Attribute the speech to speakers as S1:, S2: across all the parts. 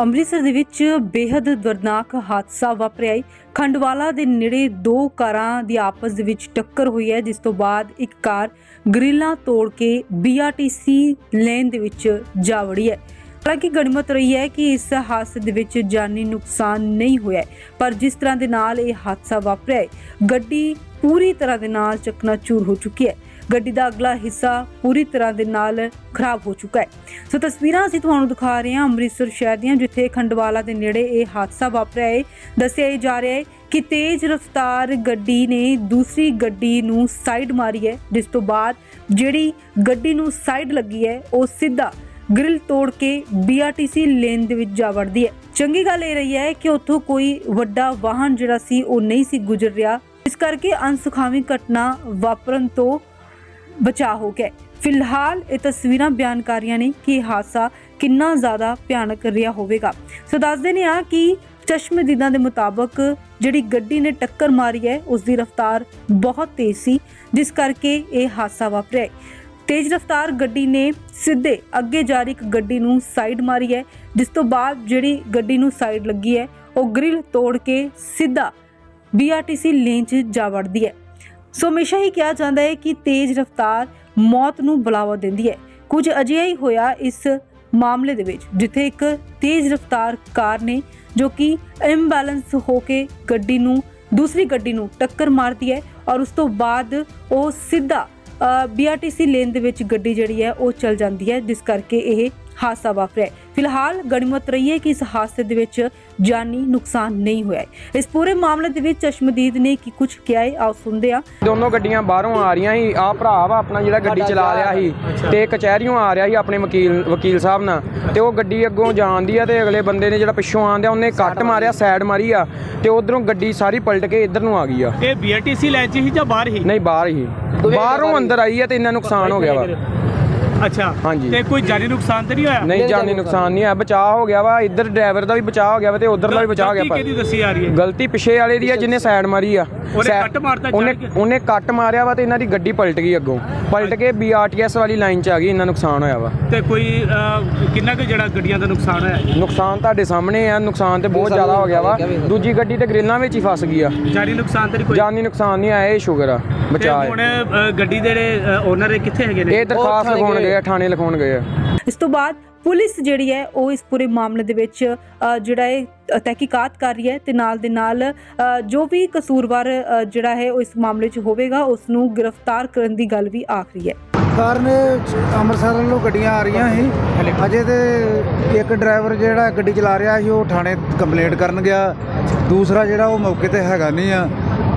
S1: ਅੰਮ੍ਰਿਤਸਰ ਦੇ ਵਿੱਚ ਬੇहद ਦਰਦਨਾਕ ਹਾਦਸਾ ਵਾਪਰਿਆ ਹੈ। ਖੰਡਵਾਲਾ ਦੇ ਨੇੜੇ ਦੋ ਕਾਰਾਂ ਦੀ ਆਪਸ ਦੇ ਵਿੱਚ ਟੱਕਰ ਹੋਈ ਹੈ, ਜਿਸ ਤੋਂ ਬਾਅਦ ਇੱਕ ਕਾਰ ਗ੍ਰਿਲਾਂ ਤੋੜ ਕੇ BRTC ਲੇਨ ਦੇ ਵਿੱਚ ਜਾ ਵੜੀ ਹੈ। ਹਾਲਾਂਕਿ ਗਣਿਮਤ ਰਹੀ ਹੈ ਕਿ ਇਸ ਹਾਦਸੇ ਦੇ ਵਿੱਚ ਜਾਨੀ ਨੁਕਸਾਨ ਨਹੀਂ ਹੋਇਆ, ਪਰ ਜਿਸ ਤਰ੍ਹਾਂ ਦੇ ਨਾਲ ਇਹ ਹਾਦਸਾ ਵਾਪਰਿਆ ਹੈ, ਗੱਡੀ ਪੂਰੀ ਤਰ੍ਹਾਂ ਦੇ ਨਾਲ ਚਕਨਾਚੂਰ ਹੋ ਚੁੱਕੀ ਹੈ। ਗੱਡੀ ਦਾ ਅਗਲਾ ਹਿੱਸਾ ਪੂਰੀ ਤਰ੍ਹਾਂ ਦੇ ਨਾਲ ਖਰਾਬ ਹੋ ਚੁੱਕਾ ਹੈ। ਸੋ ਤਸਵੀਰਾਂ ਅਸੀਂ ਤੁਹਾਨੂੰ ਦਿਖਾ ਰਹੇ ਹਾਂ ਅੰਮ੍ਰਿਤਸਰ ਸ਼ਹਿਰ ਦੀਆਂ, ਜਿੱਥੇ ਖੰਡਵਾਲਾ ਦੇ ਨੇੜੇ ਇਹ ਹਾਦਸਾ ਵਾਪਰਿਆ ਹੈ। ਦੱਸਿਆ ਜਾ ਰਿਹਾ ਹੈ ਕਿ ਤੇਜ਼ ਰਫ਼ਤਾਰ ਗੱਡੀ ਨੇ ਦੂਸਰੀ ਗੱਡੀ ਨੂੰ ਸਾਈਡ ਮਾਰੀ ਹੈ, ਜਿਸ ਤੋਂ ਬਾਅਦ ਜਿਹੜੀ ਗੱਡੀ ਨੂੰ ਸਾਈਡ ਲੱਗੀ ਹੈ ਉਹ ਸਿੱਧਾ ਗ੍ਰਿਲ ਤੋੜ ਕੇ BRTC ਲੇਨ ਦੇ ਵਿੱਚ ਜਾ ਵੜਦੀ ਹੈ। ਚੰਗੀ ਗੱਲ ਇਹ ਰਹੀ ਹੈ ਕਿ ਉੱਥੋਂ ਕੋਈ ਵੱਡਾ ਵਾਹਨ ਜਿਹੜਾ ਸੀ ਉਹ ਨਹੀਂ ਸੀ ਗੁਜ਼ਰ ਰਿਹਾ, ਇਸ ਕਰਕੇ ਅਣਸੁਖਾਵੀ ਘਟਨਾ ਵਾਪਰਨ ਤੋਂ ਬਚਾਅ ਹੋ ਗਿਆ। ਫਿਲਹਾਲ ਇਹ ਤਸਵੀਰਾਂ ਬਿਆਨ ਕਰ ਰਹੀਆਂ ਨੇ ਕਿ ਇਹ ਹਾਦਸਾ ਕਿੰਨਾ ਜ਼ਿਆਦਾ ਭਿਆਨਕ ਰਿਹਾ ਹੋਵੇਗਾ। ਸੋ ਦੱਸਦੇ ਨੇ ਆ ਕਿ ਚਸ਼ਮਦੀਦਾਂ ਦੇ ਮੁਤਾਬਕ ਜਿਹੜੀ ਗੱਡੀ ਨੇ ਟੱਕਰ ਮਾਰੀ ਹੈ ਉਸ ਦੀ ਰਫ਼ਤਾਰ ਬਹੁਤ ਤੇਜ਼ ਸੀ, ਜਿਸ ਕਰਕੇ ਇਹ ਹਾਦਸਾ ਵਾਪਰਿਆ। ਤੇਜ਼ ਰਫ਼ਤਾਰ ਗੱਡੀ ਨੇ ਸਿੱਧੇ ਅੱਗੇ ਜਾ ਰਹੀ ਇੱਕ ਗੱਡੀ ਨੂੰ ਸਾਈਡ ਮਾਰੀ ਹੈ, ਜਿਸ ਤੋਂ ਬਾਅਦ ਜਿਹੜੀ ਗੱਡੀ ਨੂੰ ਸਾਈਡ ਲੱਗੀ ਹੈ ਉਹ ਗ੍ਰਿਲ ਤੋੜ ਕੇ ਸਿੱਧਾ BRTC ਲੇਨ 'ਚ ਜਾ ਵੜਦੀ ਹੈ। ਸੋ ਹਮੇਸ਼ਾ ਹੀ ਕਿਹਾ ਜਾਂਦਾ ਹੈ ਕਿ ਤੇਜ਼ ਰਫ਼ਤਾਰ ਮੌਤ ਨੂੰ ਬੁਲਾਵਾ ਦਿੰਦੀ ਹੈ। ਕੁਝ ਅਜਿਹਾ ਹੀ ਹੋਇਆ ਇਸ ਮਾਮਲੇ ਦੇ ਵਿੱਚ, ਜਿੱਥੇ ਇੱਕ ਤੇਜ਼ ਰਫ਼ਤਾਰ ਕਾਰ ਨੇ ਜੋ ਕਿ ਇੰਬੈਲੈਂਸ ਹੋ ਕੇ ਗੱਡੀ ਨੂੰ ਦੂਸਰੀ ਗੱਡੀ ਨੂੰ ਟੱਕਰ ਮਾਰਦੀ ਹੈ ਔਰ ਉਸ ਤੋਂ ਬਾਅਦ ਉਹ ਸਿੱਧਾ BRTC ਲੇਨ ਦੇ ਵਿੱਚ ਗੱਡੀ ਜਿਹੜੀ ਹੈ ਉਹ ਚੱਲ ਜਾਂਦੀ ਹੈ, ਜਿਸ ਕਰਕੇ ਇਹ ਹਾਦਸਾ ਵਾਪਰਿਆ। ਫਿਲਹਾਲ ਗਣਿਮਤ ਰਹੀ ਹੈ ਕਿ ਇਸ ਹਾਦਸੇ ਦੇ ਵਿੱਚ ਜਾਨੀ ਨੁਕਸਾਨ ਨਹੀਂ ਹੋਇਆ। ਇਸ ਪੂਰੇ ਮਾਮਲੇ ਦੇ ਵਿੱਚ ਚਸ਼ਮਦੀਦ ਨੇ ਕੀ ਕੁਝ ਕਿਹਾ ਹੈ, ਆਓ ਸੁਣਦੇ ਹਾਂ।
S2: ਦੋਨੋਂ ਗੱਡੀਆਂ ਬਾਹਰੋਂ ਆ ਰਹੀਆਂ ਸੀ। ਆਹ ਭਰਾ ਵਾ ਆਪਣਾ ਜਿਹੜਾ ਗੱਡੀ ਚਲਾ ਰਿਹਾ ਸੀ ਤੇ ਕਚਹਿਰੀਓਂ ਆ ਰਿਹਾ ਸੀ ਆਪਣੇ ਵਕੀਲ ਸਾਹਿਬ ਨਾਲ, ਤੇ ਉਹ ਗੱਡੀ ਅੱਗੋਂ ਜਾਂਦੀ ਆ ਤੇ ਅਗਲੇ ਬੰਦੇ ਨੇ ਜਿਹੜਾ ਪਿੱਛੋਂ ਆਂਦਿਆ ਉਹਨੇ ਕੱਟ ਮਾਰਿਆ, ਸਾਈਡ ਮਾਰੀ ਆ ਤੇ ਉਧਰੋਂ ਗੱਡੀ ਸਾਰੀ ਪਲਟ ਕੇ ਇੱਧਰ ਨੂੰ ਆ ਗਈ ਆ।
S3: ਇਹ BRTC ਲੈਣ 'ਚ ਹੀ ਜਾਂ ਬਾਹਰ ਹੀ?
S2: ਨਹੀਂ, ਬਾਹਰ ਹੀ। ਬਾਹਰੋਂ ਅੰਦਰ ਆਈ ਆ ਤੇ ਇੰਨਾ ਨੁਕਸਾਨ ਹੋ ਗਿਆ ਵਾ।
S3: ਅੱਛਾ,
S2: ਹਾਂਜੀ।
S3: ਤੇ ਕੋਈ ਜਾਨੀ ਨੁਕਸਾਨ ਤੇ ਨਹੀਂ ਹੋਇਆ?
S2: ਨਹੀਂ, ਜਾਨੀ ਨੁਕਸਾਨ ਨਹੀਂ ਆ, ਬਚਾਅ ਹੋ ਗਿਆ ਵਾ। ਇੱਧਰ ਡਰਾਈਵਰ ਦਾ ਵੀ ਬਚਾਅ ਹੋ ਗਿਆ ਵਾ ਤੇ ਉਧਰ ਦਾ ਵੀ ਬਚਾਅ ਹੋ ਗਿਆ।
S3: ਕਿਹਦੀ ਦੱਸੀ ਆ ਰਹੀ ਹੈ?
S2: ਗਲਤੀ ਪਿੱਛੇ ਵਾਲੇ ਦੀ ਆ ਜਿਹਨੇ ਸਾਈਡ ਮਾਰੀ ਆ। ਉਹਨੇ ਕੱਟ ਮਾਰਿਆ ਵਾ ਤੇ ਇਹਨਾਂ ਦੀ ਗੱਡੀ ਪਲਟ ਗਈ, ਅੱਗੋਂ ਪਲਟ ਕੇ BRTS ਵਾਲੀ ਲਾਈਨ 'ਚ ਆ ਗਈ। ਇੰਨਾ ਨੁਕਸਾਨ ਹੋਇਆ ਵਾ।
S3: ਤੇ ਕੋਈ ਕਿੰਨਾ ਕੁ ਜਿਹੜਾ ਗੱਡੀਆਂ ਦਾ ਨੁਕਸਾਨ ਹੋਇਆ?
S2: ਨੁਕਸਾਨ ਤੁਹਾਡੇ ਸਾਹਮਣੇ ਆ। ਨੁਕਸਾਨ ਤੇ ਬਹੁਤ ਜ਼ਿਆਦਾ ਹੋ ਗਿਆ ਵਾ। ਦੂਜੀ ਗੱਡੀ ਤੇ ਗ੍ਰਿਲਾਂ ਵਿੱਚ ਹੀ ਫਸ ਗਈ ਆ।
S3: ਜਾਨੀ ਨੁਕਸਾਨ ਤੇ ਕੋਈ?
S2: ਜਾਨੀ ਨੁਕਸਾਨ ਨਹੀਂ ਆਇਆ, ਇਹ ਸ਼ੁਕਰ ਆ, ਬਚਾਅ।
S3: ਹੁਣ ਗੱਡੀ ਦੇ ਜਿਹੜੇ ਓਨਰ ਕਿੱਥੇ ਹੈਗੇ ਨੇ?
S2: ਇਹ ਦਰਖਾਸਤ ਲਿਖਾਉਣ ਗਏ ਆ, ਥਾਣੇ ਲਿਖਾਉਣ ਗਏ ਆ।
S1: ਇਸ ਤੋਂ ਬਾਅਦ ਪੁਲਿਸ ਜਿਹੜੀ ਹੈ ਉਹ ਇਸ ਪੂਰੇ ਮਾਮਲੇ ਦੇ ਵਿੱਚ ਜਿਹੜਾ ਹੈ ਤਹਿਕੀਕਾਤ ਕਰ ਰਹੀ ਹੈ ਤੇ ਨਾਲ ਦੇ ਨਾਲ ਜੋ ਵੀ ਕਸੂਰਵਾਰ ਜਿਹੜਾ ਹੈ ਉਹ ਇਸ ਮਾਮਲੇ 'ਚ ਹੋਵੇਗਾ ਉਸ ਨੂੰ ਗ੍ਰਿਫਤਾਰ ਕਰਨ ਦੀ ਗੱਲ ਵੀ ਆਖ ਰਹੀ ਹੈ।
S4: ਕਾਰ ਨੇ ਅੰਮ੍ਰਿਤਸਰ ਵੱਲੋਂ ਗੱਡੀਆਂ ਆ ਰਹੀਆਂ ਸੀ। ਅਜੇ ਤੇ ਇੱਕ ਡਰਾਈਵਰ ਜਿਹੜਾ ਗੱਡੀ ਚਲਾ ਰਿਹਾ ਸੀ ਉਹ ਥਾਣੇ ਕੰਪਲੇਂਟ ਕਰਨ ਗਿਆ। ਦੂਸਰਾ ਜਿਹੜਾ ਉਹ ਮੌਕੇ ਤੇ ਹੈਗਾ ਨਹੀਂ ਆ,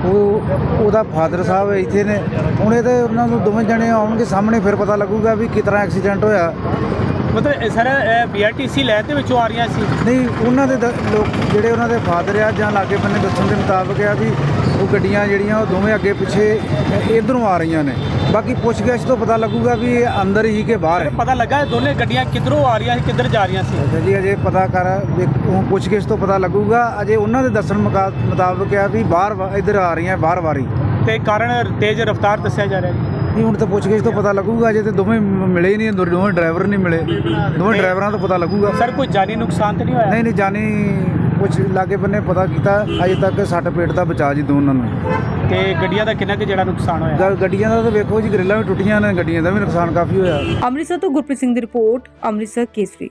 S4: ਉਹਦਾ ਫਾਦਰ ਸਾਹਿਬ ਇੱਥੇ ਨੇ। ਹੁਣ ਇਹ ਤੇ ਉਹਨਾਂ ਨੂੰ ਦੋਵੇਂ ਜਣੇ ਆਉਣਗੇ ਸਾਹਮਣੇ, ਫਿਰ ਪਤਾ ਲੱਗੂਗਾ ਵੀ ਕਿਸ ਤਰ੍ਹਾਂ ਐਕਸੀਡੈਂਟ ਹੋਇਆ।
S3: ਮਤਲਬ ਸਰ BRTC ਲੈਣ ਦੇ ਵਿੱਚੋਂ ਆ ਰਹੀਆਂ ਸੀ?
S4: ਨਹੀਂ, ਉਹਨਾਂ ਦੇ ਲੋਕ ਜਿਹੜੇ ਉਹਨਾਂ ਦੇ ਫਾਦਰ ਆ ਜਾਂ ਲਾਗੇ ਬੰਨੇ ਦੱਸਣ ਦੇ ਮੁਤਾਬਕ ਆ ਵੀ ਉਹ ਗੱਡੀਆਂ ਜਿਹੜੀਆਂ ਉਹ ਦੋਵੇਂ ਅੱਗੇ ਪਿੱਛੇ ਇੱਧਰੋਂ ਆ ਰਹੀਆਂ ਨੇ। ਬਾਕੀ ਪੁੱਛਗਿੱਛ ਤੋਂ ਪਤਾ ਲੱਗੂਗਾ ਵੀ ਇਹ ਅੰਦਰ ਹੀ ਕਿ ਬਾਹਰ ਹੈ।
S3: ਪਤਾ ਲੱਗਾ ਦੋਨੇ ਗੱਡੀਆਂ ਕਿੱਧਰੋਂ ਆ ਰਹੀਆਂ ਸੀ, ਕਿੱਧਰ ਜਾ ਰਹੀਆਂ ਸੀ?
S4: ਅੱਛਾ ਜੀ, ਅਜੇ ਪਤਾ ਕਰ ਪੁੱਛਗਿੱਛ ਤੋਂ ਪਤਾ ਲੱਗੂਗਾ। ਅਜੇ ਉਹਨਾਂ ਦੇ ਦੱਸਣ ਮੁਤਾਬਕ ਆ ਵੀ ਬਾਹਰ ਇੱਧਰ ਆ ਰਹੀਆਂ, ਬਾਹਰ ਵਾਰੀ।
S3: ਤੇ ਕਾਰਨ ਤੇਜ਼ ਰਫ਼ਤਾਰ ਦੱਸਿਆ ਜਾ ਰਿਹਾ ਜੀ?
S4: ਨਹੀਂ, ਹੁਣ ਤਾਂ ਪੁੱਛਗਿੱਛ ਤੋਂ ਪਤਾ ਲੱਗੂਗਾ। ਅਜੇ ਤੇ ਦੋਵੇਂ ਮਿਲੇ ਹੀ ਨਹੀਂ, ਦੋਵੇਂ ਡਰਾਈਵਰ ਨਹੀਂ ਮਿਲੇ। ਦੋਵੇਂ ਡਰਾਈਵਰਾਂ ਤੋਂ ਪਤਾ ਲੱਗੂਗਾ।
S3: ਸਰ ਕੋਈ ਜਾਨੀ ਨੁਕਸਾਨ ਤੇ ਨਹੀਂ ਹੋਇਆ?
S4: ਨਹੀਂ, ਜਾਨੀ ਕੁਛ ਲਾਗੇ ਬੰਨੇ ਪਤਾ ਕੀਤਾ, ਅਜੇ ਤੱਕ ਸੱਟ ਪੇਟ ਦਾ ਬਚਾ ਜੀ ਦੋਨਾਂ ਨੂੰ।
S3: ਤੇ ਗੱਡੀਆਂ ਦਾ ਕਿੰਨਾ ਕੁ ਜਿਹੜਾ ਨੁਕਸਾਨ ਹੋਇਆ?
S4: ਗੱਡੀਆਂ ਦਾ ਤਾਂ ਵੇਖੋ ਜੀ, ਗ੍ਰਿਲਾਂ ਵੀ ਟੁੱਟੀਆਂ ਨੇ, ਗੱਡੀਆਂ ਦਾ ਵੀ ਨੁਕਸਾਨ ਕਾਫੀ ਹੋਇਆ।
S1: ਅੰਮ੍ਰਿਤਸਰ ਤੋਂ ਗੁਰਪ੍ਰੀਤ ਸਿੰਘ ਦੀ ਰਿਪੋਰਟ, ਅੰਮ੍ਰਿਤਸਰ ਕੇਸਰੀ।